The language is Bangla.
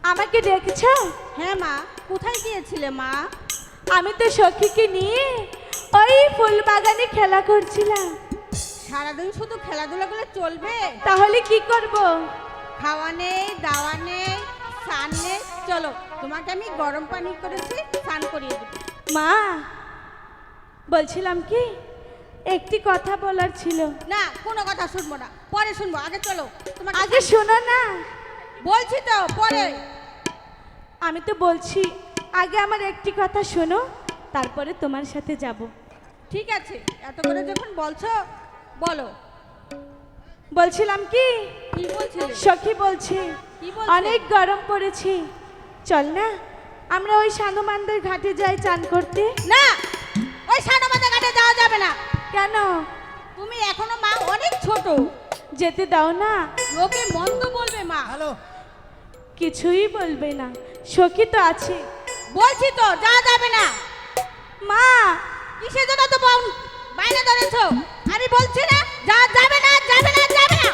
আমাকে ডেকেছো? হ্যাঁ মা, কোথায় গিয়েছিলে মা? আমি তো সখীকে নিয়ে ওই ফুল বাগানে খেলা করছিলাম। সারাদিন শুধু খেলাধুলা করলে চলবে? তাহলে কি করব? খাওয়া নেই, দাওয়া নেই, স্নান নেই। চলো, তোমাকে আমি গরম পানি করেছি, স্নান করিয়ে দেবো। মা, বলছিলাম কি, একটি কথা বলার ছিল। না, কোনো কথা শুনবো না, পরে শুনবো। আগে চলো, তোমাকে আগে শোনো না। বলছি তো, পরে। আমি তো বলছি, আগে আমার একটি কথা শোনো, তারপরে তোমার সাথে যাব। ঠিক আছে, এত করে যখন বলছো বলো। বলছিলাম কি, কি বলছিলে? সখী বলছে কি বলছে? অনেক গরম পড়েছে, চল না আমরা ওই সানুমানদের ঘাটে যাই চান করতে। না, ওই সানবাদা ঘাটে যাওয়া যাবে না। কেন? তুমি এখনো মা অনেক ছোট, যেতে দাও না। লোকে মন্দ বলবে মা। হ্যালো, কিছুই বলবে না, সখী তো আছে। বলছি তো, যাওয়া যাবে না। মা, কিসের জন্য তো বাইরে ধরেছো? আমি বলছি না, যাওয়া যাবে না।